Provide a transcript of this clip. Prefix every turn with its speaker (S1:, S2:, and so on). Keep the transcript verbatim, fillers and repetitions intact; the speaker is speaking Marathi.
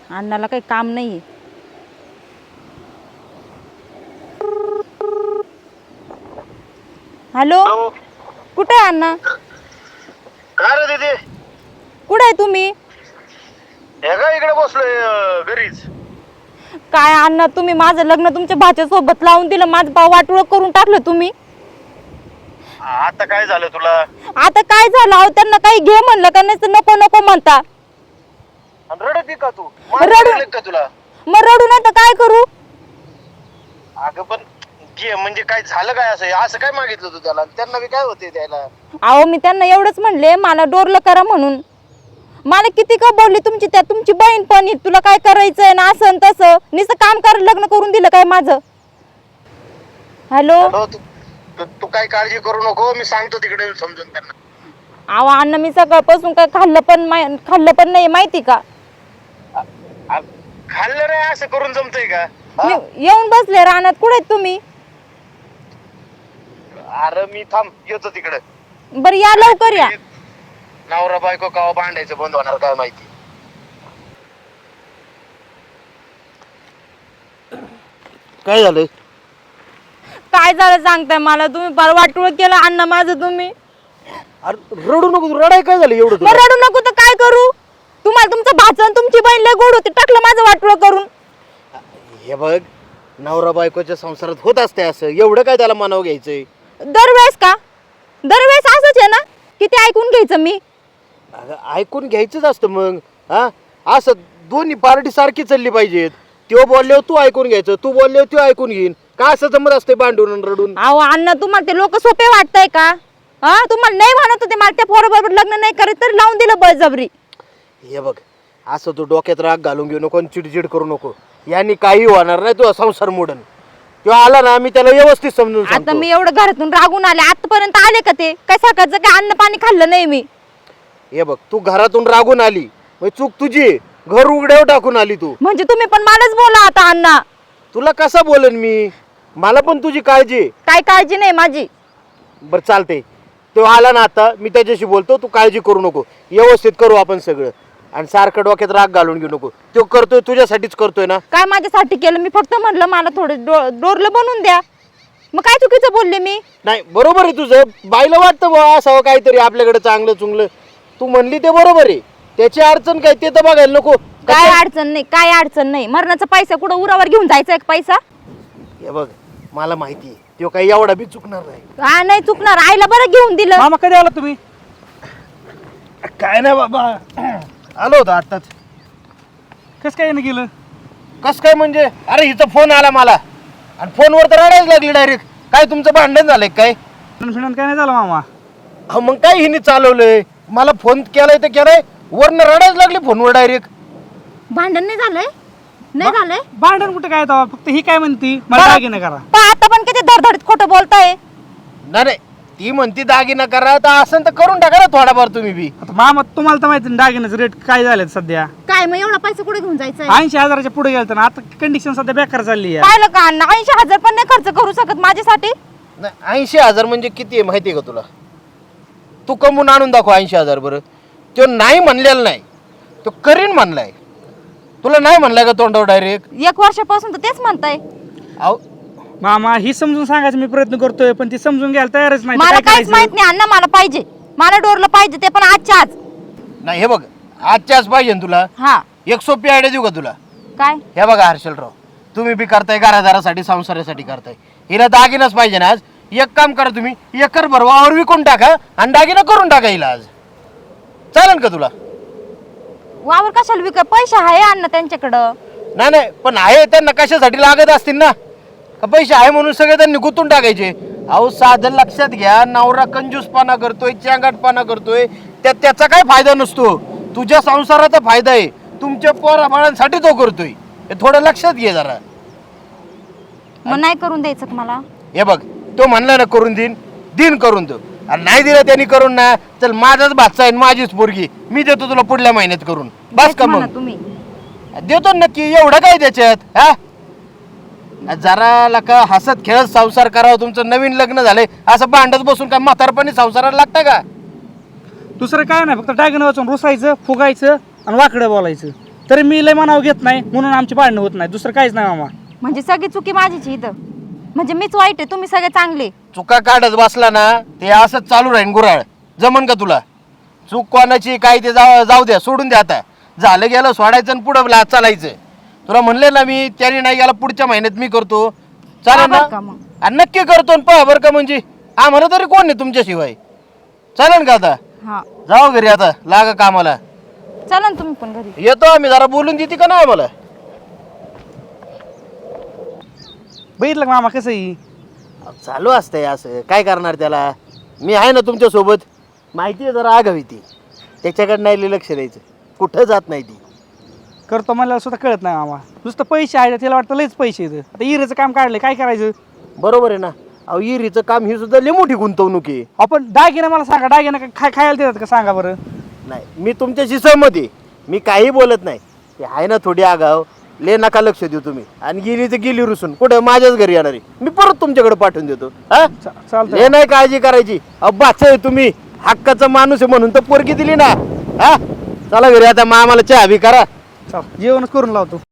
S1: अण्णाला काही काम नाही. हॅलो, कुठे आहे अण्णा?
S2: काय रे दीदी?
S1: कुठे आहे तुम्ही?
S2: हे का इकडे बसलोय घरीच.
S1: काय अण्णा, तुम्ही माझं लग्न तुमच्या भाच्या सोबत लावून दिलं, माझं भाव वाटोळं करून टाकलं तुम्ही.
S2: आता काय झालं तुला?
S1: आता काय झालं? अहो त्यांना काही घे म्हणलं का नाही, नको नको म्हणता.
S2: रडती का तू?
S1: रडू
S2: का तुला?
S1: मग रडू नाही तर काय करू?
S2: अगं पण घे म्हणजे काय झालं काय? असं असं काय मागितलं तू त्याला? त्यांना बी काय होते द्यायला?
S1: अहो मी त्यांना एवढंच म्हणले, मला डोरलं करा म्हणून. मला किती का बोलली तुमची, त्या तुमची बहीण पण, तुला काय करायचंय ना असं आणि तसं, नुसतं काम कर, लग्न करून दिलं काय माझं? हॅलो,
S2: तू तू काय काळजी करू नको, मी सांगतो तिकडे समजून त्यांना.
S1: अहो अण्णा, मी सकाळपासून काय खाल्लं पण खाल्लं पण नाही माहिती का?
S2: खाल्लं रे असं करून जमतंय का?
S1: मी येऊन बसले रानात. कुठे आहेत तुम्ही?
S2: अरे मी थांब येतो तिकडे.
S1: बरं या, लवकर या.
S2: नवरा बायको कवा भांडायचं बंद होणार काय माहिती. काय झालं?
S1: काय झालं सांगताय मला तुम्ही? फार वाटोळं केलं अण्णा माझं तुम्ही.
S2: अरे रडू नको तू. रडाय काय झालं एवढं?
S1: मग रडू नको तर काय करू? तुम्हाला तुमचं भाचं आणि तुमची बहीण लय गोड होती, टाकलं माझं वाटोळं करून.
S2: हे बघ, नवरा बायकोच्या संसारात होत असते असं, एवढं काय त्याला मनाव घ्यायचंय?
S1: दरवेळेस का? दरवेळेस असंच आहे ना? किती ऐकून घ्यायचं मी?
S2: अगं ऐकून घ्यायचंच असतं मग. हा असं दोन्ही पार्टी सारखी चालली पाहिजेत. तो बोलल्यावर तू ऐकून घ्यायचं, तू बोलल्यावर तू ऐकून घेईन. का असं जमत असते भांडून आणि रडून?
S1: अहो अण्णा, तुम्हाला ते लोक सोपे वाटतंय का? हा, तुम्हाला नाही म्हणत होते मला त्या पोराबरोबर लग्न नाही करत, तर लावून दिलं बळजबरी.
S2: हे बघ, असं तू डोक्यात राग घालून घेऊ नको आणि चिडचिड करू नको. यांनी काही होणार नाही, तुझा संसार मोडन. तो आला ना, मी त्याला व्यवस्थित समजून
S1: आता
S2: सांगतो.
S1: मी एवढं घरातून रागून आले, आतापर्यंत आले का ते? काय सकाळचं काय अन्न पाणी खाल्लं नाही मी.
S2: हे बघ, तू घरातून रागून आली, मग चूक तुझी. घर उघड्यावर टाकून आली तू.
S1: म्हणजे तुम्ही पण मलाच बोला आता अण्णा.
S2: तुला कसं बोलन मी? मला पण तुझी काळजी.
S1: काय काळजी नाही माझी.
S2: बरं चालते, तो आला ना आता, मी त्याच्याशी बोलतो. तू काळजी करू नको, व्यवस्थित करू आपण सगळं. आणि सारखं डोक्यात राग घालून घेऊ नको. तो करतोय तुझ्यासाठीच करतोय ना.
S1: काय माझ्यासाठी केलं? मी फक्त म्हणलं मला थोडं डोरलं बनवून द्या. मग काय चुकीचं बोलले मी?
S2: नाही, बरोबर आहे तुझं. बाईला वाटतं बा असावं काहीतरी आपल्याकडे चांगलं चुंगलं. तू म्हणली ते बरोबर आहे. त्याची अडचण काय ते तर बघायला नको.
S1: काय अडचण नाही, काय अडचण नाही. मरणाचा पैसा कुठं उरावर घेऊन जायचा एक पैसा?
S2: हे बघ, मला माहिती आहे तो काही एवढा बी चुकणार नाही.
S1: हा, नाही चुकणार. आईला बरं घेऊन दिलं.
S3: मामा कधी आला तुम्ही?
S2: काय नाही बाबा, आलो होतो आत्ताच.
S3: कसं काय गेलं?
S2: कस काय म्हणजे? अरे हिचा फोन आला मला आणि फोनवर तर रडायला लागली डायरेक्ट. काय तुमचं भांडण झालंय काय?
S3: फिरण काय नाही झालं मामा?
S2: हा मग काय हिने चालवलंय? मला फोन केलाय तर केलाय, वरनं रडायला लागली फोनवर डायरेक्ट.
S1: भांडण नाही झालंय? नाही झालंय?
S3: भांडण कुठे काय तेव्हा? फक्त ही काय म्हणती मला
S1: बरं.
S3: दागिने करा.
S1: पण आता पण किती धडधडीत खोटं बोलताय.
S2: नाही नाही, ती म्हणती दागिना करा, तर असं तर करून टाका ना थोडाफार तुम्ही बी.
S3: आता मामा तुम्हाला तर माहिती दागिन्याचं रेट काय झाले सध्या.
S1: काय मग एवढा पैसा कुठे घेऊन जायचा?
S3: ऐंशी हजाराच्या पुढे गेलं ना. आता कंडिशन सध्या बेकार चालली आहे.
S1: पाहिलं का अण्णा? ऐंशी हजार पण नाही खर्च करू शकत माझ्यासाठी.
S2: नाही, ऐंशी हजार म्हणजे किती आहे माहिती आहे का तुला? तू कमवून आणून दाखव ऐंशी हजार. बरं, तो नाही म्हणलेला नाही, तो करीन म्हणलाय. तुला नाही म्हणलाय का तोंडावर डायरेक्ट?
S1: एक वर्षापासून तर तेच म्हणताय.
S2: अहो
S3: मामा ही समजून सांगायचं मी प्रयत्न करतोय, पण ती समजून घ्यायला तयारच नाही.
S1: मला
S3: काय
S1: काहीच माहित
S3: करायचं?
S1: नाही अण्णा. मला पाहिजे, मला डोरलं पाहिजे, ते पण आजच्या आज.
S2: नाही, हे बघ, आजच्याच पाहिजे ना तुला.
S1: हा,
S2: एक सोपी आयडिया देऊ का तुला?
S1: काय?
S2: हे बघा हर्षलराव, तुम्ही बी करताय घरादारासाठी, संसारासाठी करताय. हिला दागिनाच पाहिजे ना आज. एक काम करा, तुम्ही एकर भर वावर विकून टाका आणि दागिना करून टाका हिला आज. चालेल का तुला?
S1: वावर कशाला विक? पैसा आहे अण्णा त्यांच्याकडं.
S2: नाही नाही, पण आहे त्यांना कशासाठी लागत असतील ना. का पैसे आहे म्हणून सगळे त्यांनी गुंतून टाकायचे? अहो साधं लक्षात घ्या, नवरा कंजूसपणा करतोय, चॅंगाटपणा करतोय, त्यात त्याचा काय फायदा नसतो. तुझ्या संसाराचा फायदा आहे, तुमच्या पोराबाळांसाठी तो करतोय. हे थोडं लक्षात घे जरा.
S1: मग नाही करून द्यायचं का मला?
S2: हे बघ, तो म्हणला ना करून देईन, दिन करून दो. आणि नाही दिलं त्यांनी करून ना, चल माझाच भाचा आहे, माझीच पोरगी, मी देतो तुला पुढल्या महिन्यात करून. बस का मग?
S1: तुम्ही
S2: देतो नक्की. एवढं काय त्याच्यात? हा, जरा लका हसत खेळत संसार करावा. तुमचं नवीन लग्न झालंय, असं भांडत बसून काय म्हातारपणी संसाराला लागतं का?
S3: दुसरं काय नाही, फक्त दागिने वाचून रुसायचं, फुगायचं आणि वाकडं बोलायचं. तरी मी लय मनावर घेत नाही म्हणून आमची भांडणं होत नाही, दुसरं काहीच नाही मामा.
S1: म्हणजे सगळी चुकी माझीच आहे इथं, म्हणजे मीच वाईट आहे, तुम्ही सगळे चांगले.
S2: चुका काढत बसला ना ते असंच चालू राहीन गुराळ. जमन का तुला? चूक कोणाची काय ते जाऊ जाऊ द्या, सोडून द्या. आता झालं गेलं, सोडायचं आणि पुढं ला- चालायचं. तुला म्हणले ना मी, त्याने नाही गेला पुढच्या महिन्यात मी करतो. चालेल
S1: बरं का
S2: ना?
S1: मग?
S2: आणि नक्की करतो आणि पहा बरं का, म्हणजे आम्हाला तरी कोण नाही तुमच्याशिवाय. चालेल का? आता
S1: हा
S2: जाऊ घरी, आता लागा कामाला.
S1: चला ना तुम्ही पण घरी.
S2: येतो आम्ही, जरा बोलून देते का ना आम्हाला?
S3: बघितलं का मामा कसं आहे?
S2: चालू असतंय असं, काय करणार त्याला. मी आहे ना तुमच्या सोबत. माहिती आहे जरा आगावी ती, त्याच्याकडे नाही लक्ष द्यायचं, कुठं जात नाही ती.
S3: करतो मला सुद्धा कळत नाही मामा. नुसतं पैसे आहे तिला वाटतं लयच पैसे आहेत. आता इरेचं काम काढले, काय करायचं?
S2: बरोबर आहे ना. अहो इरीचं काम ही सुद्धा लई मोठी गुंतवणूक आहे.
S3: आपण दागिने मला सांगा, दागिने काय खाय खायला देतात का सांगा बरं?
S2: नाही, मी तुमच्याशी सहमत आहे, मी काही बोलत नाही. ते आहे ना थोडी आगाव, ले नका लक्ष देऊ तुम्ही. आणि गेली तर गेली रुसून, कुठं माझ्याच घरी येणार आहे. मी परत तुमच्याकडे पाठवून देतो. हा
S3: चा- चालतंय.
S2: हे नाही काळजी करायची. अब्बाच आहे तुम्ही, हक्काचा माणूस आहे म्हणून तर पोरगी दिली ना. हा चला घरी, आता मामाला चहा बी करा.
S3: चाल जेवणच करून लावतो.